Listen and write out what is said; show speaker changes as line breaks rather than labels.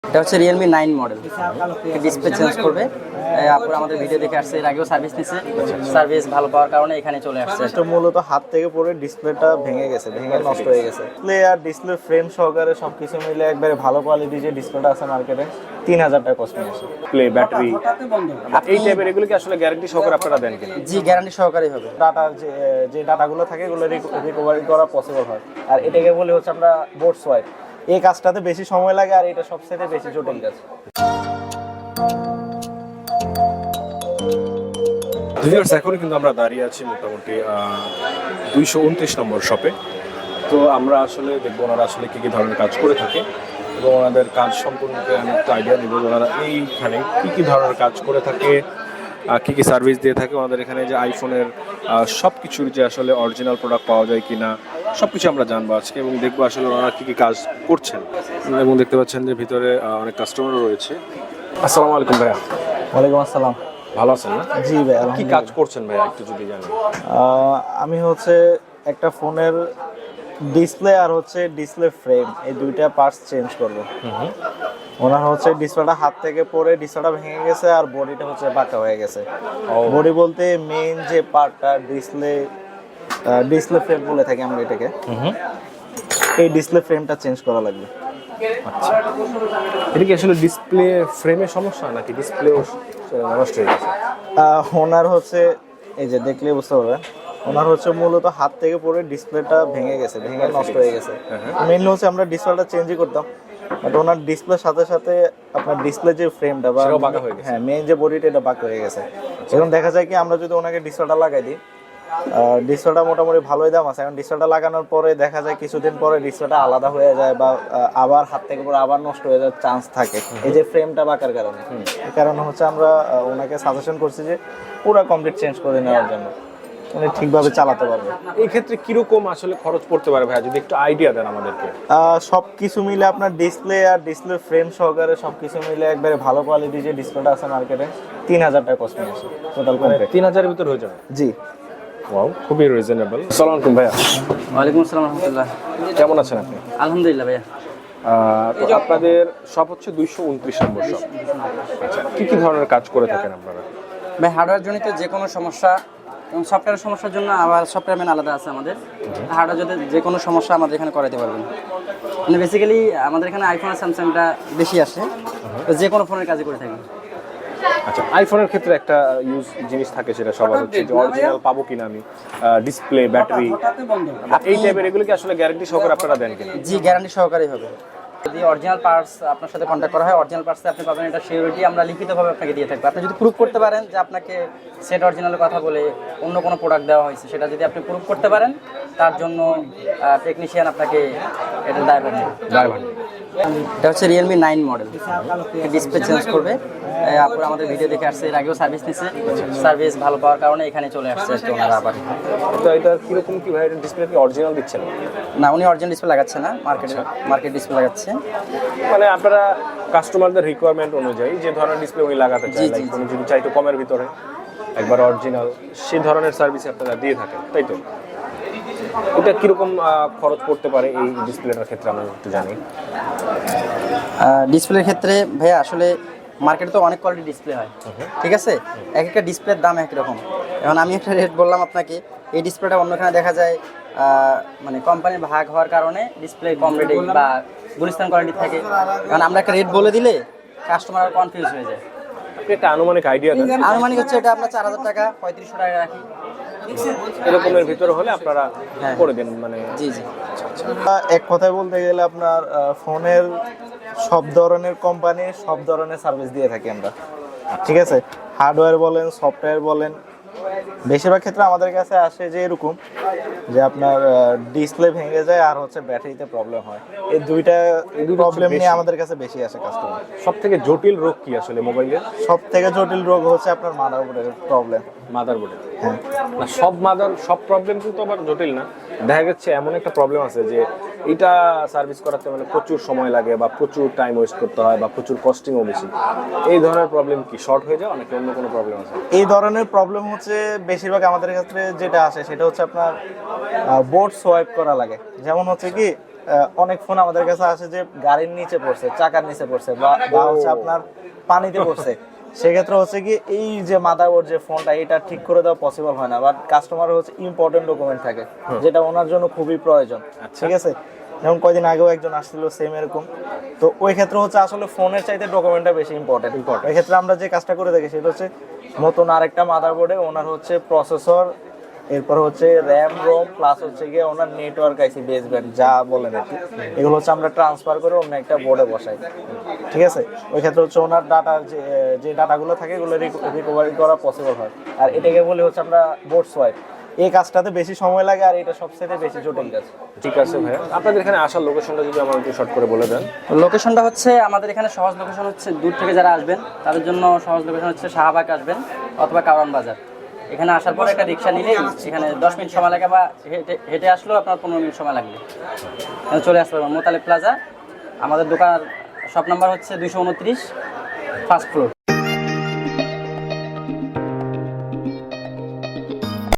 এটা হচ্ছে Realme 9 model. Display change করবে। আপুরা আমাদের ভিডিও দেখে আসছে, এর আগেও সার্ভিস নিছে। সার্ভিস ভালো পাওয়ার কারণে এখানে চলে আসছে।
এটা মূলত হাত থেকে পড়ে ডিসপ্লেটা ভেঙে নষ্ট হয়ে গেছে। ডিসপ্লে আর ডিসপ্লে ফ্রেম সহকারে সবকিছু মিলে একবারে ভালো কোয়ালিটি যে ডিসপ্লেটা আছে মার্কেটে 3000 টাকা কস্ট নিয়েছে।
প্লে ব্যাটারি এই টাইপের এগুলো কি আসলে গ্যারান্টি সহকারে আপনারা দেন কিনা?
জি, গ্যারান্টি সহকারেই হবে।
ডাটা যে ডাটাগুলো থাকে এগুলো রিকভারি করা পসিবল হয়। আর এটাকে বলে হচ্ছে আমরা বোর্ড সোয়াইপ। এই কাজটাতে বেশি সময় লাগে আর এটা সবচেয়ে বেশি জটিল কাজ।
ভিউয়ার্স, এখন কিন্তু আমরা দাঁড়িয়ে আছি মোটামুটি 229 নম্বর শপে। তো আমরা আসলে দেখবো ওনারা আসলে কী কী ধরনের কাজ করে থাকে এবং ওনাদের কাজ সম্পর্কে আমি একটা আইডিয়া নেব। ওনারা এইখানে কী কী ধরনের কাজ করে থাকে, কী কী সার্ভিস দিয়ে থাকে, ওনাদের এখানে যে আইফোনের সব কিছুর যে আসলে অরিজিনাল প্রোডাক্ট পাওয়া যায় কি না সব কিছু আমরা জানবো আজকে এবং দেখবো আসলে ওনারা কী কী কাজ করছেন। এবং দেখতে পাচ্ছেন যে ভিতরে অনেক কাস্টমারও রয়েছে। আসসালামু আলাইকুম ভাইয়া।
ওয়ালাইকুম আসসালাম।
ভালো আছেন না?
জি ভাই।
কি কাজ করছেন ভাইয়া একটু যদি জানেন?
আমি হচ্ছে একটা ফোনের ডিসপ্লে আর হচ্ছে ডিসপ্লে ফ্রেম এই দুইটা পার্টস চেঞ্জ করবো। ওনার হচ্ছে ডিসপ্লেটা হাত থেকে পড়ে ডিসপ্লেটা ভেঙে গেছে আর বডিটা হচ্ছে বাঁকা হয়ে গেছে। বডি বলতে মেইন যে পার্টটা ডিসপ্লে ফ্রেম বলে থাকি আমরা এটাকে, এই ডিসপ্লে ফ্রেমটা চেঞ্জ করা লাগবে।
আচ্ছা, এটা কি আসলে ডিসপ্লে ফ্রেমের সমস্যা নাকি ডিসপ্লেও নষ্ট হয়ে গেছে?
ওনার হচ্ছে এই যে দেখলে বুঝতে পারবেন, ওনার হচ্ছে মূলত হাত থেকে পড়ে ডিসপ্লেটা ভেঙে নষ্ট হয়ে গেছে। মেইনলি হচ্ছে আমরা ডিসপ্লেটা চেঞ্জই করতাম, বাট ওনার ডিসপ্লের সাথে সাথে আপনার ডিসপ্লে যে ফ্রেমটা বা হ্যাঁ মেইন যে বডিটা এটা বাঁকা হয়ে গেছে। এখন দেখা যায় কি আমরা যদি ওনাকে ডিসপ্লেটা লাগাই দিই, ডিসপ্লেটা মোটামুটি ভালোই দাম আছে। এখন ডিসপ্লেটা লাগানোর পরে দেখা যায় কিছুদিন পরে ডিসপ্লেটা আলাদা হয়ে যায় বা আবার হাত থেকে পরে আবার নষ্ট হয়ে যাওয়ার চান্স থাকে এই যে ফ্রেমটা বাঁকার কারণে। এই কারণে হচ্ছে আমরা ওনাকে সাজেশন করছি যে পুরো কমপ্লিট চেঞ্জ করে নেওয়ার জন্য, উনি ঠিকভাবে চালাতে পারবে।
এই ক্ষেত্রে কিরকম আসলে খরচ পড়তে পারে ভাইয়া, যদি একটু আইডিয়া দেন আমাদেরকে?
সব কিছু মিলে আপনার ডিসপ্লে আর ডিসপ্লে ফ্রেম সহকারে সবকিছু মিলে একবারে ভালো কোয়ালিটি যে ডিসপ্লেটা আছে মার্কেটে 3000 টাকা কস্ট নিয়েছে টোটাল কমপ্লিট।
3000 এর ভিতর হয়ে যাবে?
জি।
ওয়াও, খুবই রিজনেবল। আসসালামু আলাইকুম ভাইয়া।
ওয়ালাইকুম আসসালাম রাহমাতুল্লাহ।
কেমন আছেন আপনি?
আলহামদুলিল্লাহ ভাইয়া।
তো আপনাদের শপ হচ্ছে 229 নম্বর শপ। আচ্ছা, কি কি ধরনের কাজ করে থাকেন আপনারা?
ভাই হার্ডওয়্যার জনিত যে কোনো সমস্যা এবং সফটওয়্যারের সমস্যার জন্য আবার সফটওয়্যার ম্যান আলাদা আছে আমাদের। হার্ডওয়্যার যদি যে কোনো সমস্যা আমাদের এখানে করাতে পারবেন। মানে বেসিক্যালি আমাদের এখানে আইফোন আর স্যামসাংটা বেশি আসে, তো যে কোনো ফোনের কাজই করে থাকি।
আচ্ছা, আইফোনের ক্ষেত্রে একটা ইউজ জিনিস থাকে, সেটা সবার হচ্ছে যে অরিজিনাল পাবো কিনা আমি, ডিসপ্লে ব্যাটারি এই টাইপের এগুলো কি আসলে গ্যারান্টি সহকারে আপনারা দেন কিনা?
জি, গ্যারান্টি সহকারেই হবে। যদি অরিজিনাল পার্টস আপনার সাথে কন্ট্যাক্ট করা হয়, অরিজিনাল পার্টসে আপনি পাবেন এটা সিকিউরিটি আমরা লিখিতভাবে আপনাকে দিয়ে থাকবো। আপনি যদি প্রুভ করতে পারেন যে আপনাকে সেট অরিজিনালের কথা বলে অন্য কোনো প্রোডাক্ট দেওয়া হয়েছে, সেটা যদি আপনি প্রুভ করতে পারেন তার জন্য টেকনিশিয়ান আপনাকে এটা দায়ভার নেবে। এটা হচ্ছে Realme 9 মডেল। ডিসপ্লে চেঞ্জ করবে। আপুরা আমাদের ভিডিও দেখে আসছে, এর আগেও সার্ভিস নিছে। সার্ভিস ভালো পাওয়ার কারণে এখানে চলে আসছে ওনারা আবার।
তো এটা কিরকম কি ভাই, ডিসপ্লে কি অরিজিনাল দিচ্ছেন?
না, উনি অরিজিনাল ডিসপ্লে লাগাচ্ছে না, মার্কেট ডিসপ্লে লাগাচ্ছে।
মানে আপনারা কাস্টমারদের রিকোয়ারমেন্ট অনুযায়ী যে ধরনের ডিসপ্লে উনি লাগাতে চায়, লাইক উনি যদি চাইতো কমের ভিতরে একবার অরিজিনাল, সেই ধরনের সার্ভিস আপনারা দিয়ে থাকেন, তাই তো? এটা কিরকম খরচ পড়তে পারে এই ডিসপ্লেটার ক্ষেত্রে আমরা একটু জানি।
ডিসপ্লের ক্ষেত্রে ভাইয়া আসলে মার্কেটে তো অনেক কোয়ালিটি ডিসপ্লে হয়, ঠিক আছে? এক একটা ডিসপ্লের দাম একই রকম। এখন আমি একটা রেট বললাম আপনাকে, এই ডিসপ্লেটা অন্যখানে দেখা যায় মানে কোম্পানির ভাগ হওয়ার কারণে ডিসপ্লে কম রেটে বা গুলিস্তান কোয়ালিটি থাকে। কারণ আমরা একটা রেট বলে দিলে কাস্টমার কনফিউজ হয়ে যায়।
আপনি একটা আনুমানিক আইডিয়া দেন।
আনুমানিক হচ্ছে এটা আপনার 4000 টাকা 3500 টাকা রাখি,
এরকমের ভিতরে হলে আপনারা করে দেন মানে?
জি জি।
এক কথায় বলতে গেলে আপনার ফোনের সব ধরনের কোম্পানি সব ধরনের সার্ভিস দিয়ে থাকি আমরা, ঠিক আছে? হার্ডওয়্যার বলেন, সফটওয়্যার বলেন, বেশিরভাগ ক্ষেত্রে আমাদের কাছে আসে যে এরকম যে আপনার ডিসপ্লে ভেঙে যায় আর হচ্ছে ব্যাটারিতে প্রবলেম হয়। এই দুইটা প্রবলেম নিয়ে আমাদের কাছে বেশি আসে কাস্টমার।
সব থেকে জটিল রোগ কি আসলে মোবাইলের?
সব থেকে জটিল রোগ হচ্ছে আপনার মাদারবোর্ডের প্রবলেম।
মাদারবোর্ডে?
হ্যাঁ।
না, সব প্রবলেম কিন্তু আবার জটিল না। দেখা যাচ্ছে এমন একটা প্রবলেম আছে যে এটা সার্ভিস করাতে মানে প্রচুর সময় লাগে বা প্রচুর টাইম ওয়েস্ট করতে হয় বা প্রচুর কস্টিংও বেশি। এই ধরনের প্রবলেম কি শর্ট হয়ে যায় নাকি অন্য কোনো প্রবলেম আছে?
এই ধরনের প্রবলেম হচ্ছে বেশিরভাগ আমাদের ক্ষেত্রে যেটা আসে সেটা হচ্ছে আপনার বোর্ড সোয়াইপ করা লাগে। যেমন হচ্ছে কি অনেক ফোন আমাদের কাছে আসে যে গাড়ির নিচে পড়ছে, চাকার নিচে পড়ছে, বা হচ্ছে আপনার পানিতে পড়ছে। সেক্ষেত্রে হচ্ছে কি এই যে মাদারবোর্ড যে ফোনটা এটা ঠিক করে দেওয়া পসিবল হয় না, বাট কাস্টমারের হচ্ছে ইম্পর্টেন্ট ডকুমেন্ট থাকে যেটা ওনার জন্য খুবই প্রয়োজন। ঠিক আছে, যেমন কয়দিন আগেও একজন আসছিল সেম এরকম। তো ওই ক্ষেত্রে হচ্ছে আসলে ফোনের চাইতে ডকুমেন্টটা বেশি ইম্পর্টেন্ট। ওই ক্ষেত্রে আমরা যে কাজটা করে থাকি সেটা হচ্ছে নতুন আরেকটা মাদারবোর্ডে ওনার হচ্ছে প্রসেসর, এরপর হচ্ছে র্যাম রোম প্লাস হচ্ছে গিয়ে ওনার নেটওয়ার্ক আইসি বেসব্যান্ড যা বলেন আর কি, এগুলো হচ্ছে আমরা ট্রান্সফার করে অন্য একটা বোর্ডে বসাই। ঠিক আছে, ওই ক্ষেত্রে হচ্ছে ওনার ডাটা যে ডাটাগুলো থাকে এগুলো রিকভারি করা পসিবল হয়। আর এটাকে বলি হচ্ছে আমরা বোর্ড সোয়াইপ। এই কাজটাতে বেশি সময় লাগে আর এটা সবচেয়ে বেশি জটিল কাজ।
ঠিক আছে ভাইয়া, আপনাদের এখানে আসার লোকেশনটা যদি আমার একটু শর্ট করে বলে দেন।
লোকেশনটা হচ্ছে আমাদের এখানে সহজ লোকেশন হচ্ছে দূর থেকে যারা আসবেন তাদের জন্য সহজ লোকেশন হচ্ছে শাহবাগ আসবেন অথবা কারওয়ান বাজার। এখানে আসার পর একটা রিক্সা নিলেই এখানে 10 মিনিট সময় লাগে, বা হেঁটে আসলেও আপনার 15 মিনিট সময় লাগবে, চলে আসতে পারবেন মোতালেব প্লাজা। আমাদের দোকান শপ নাম্বার হচ্ছে 229, ফার্স্ট ফ্লোর।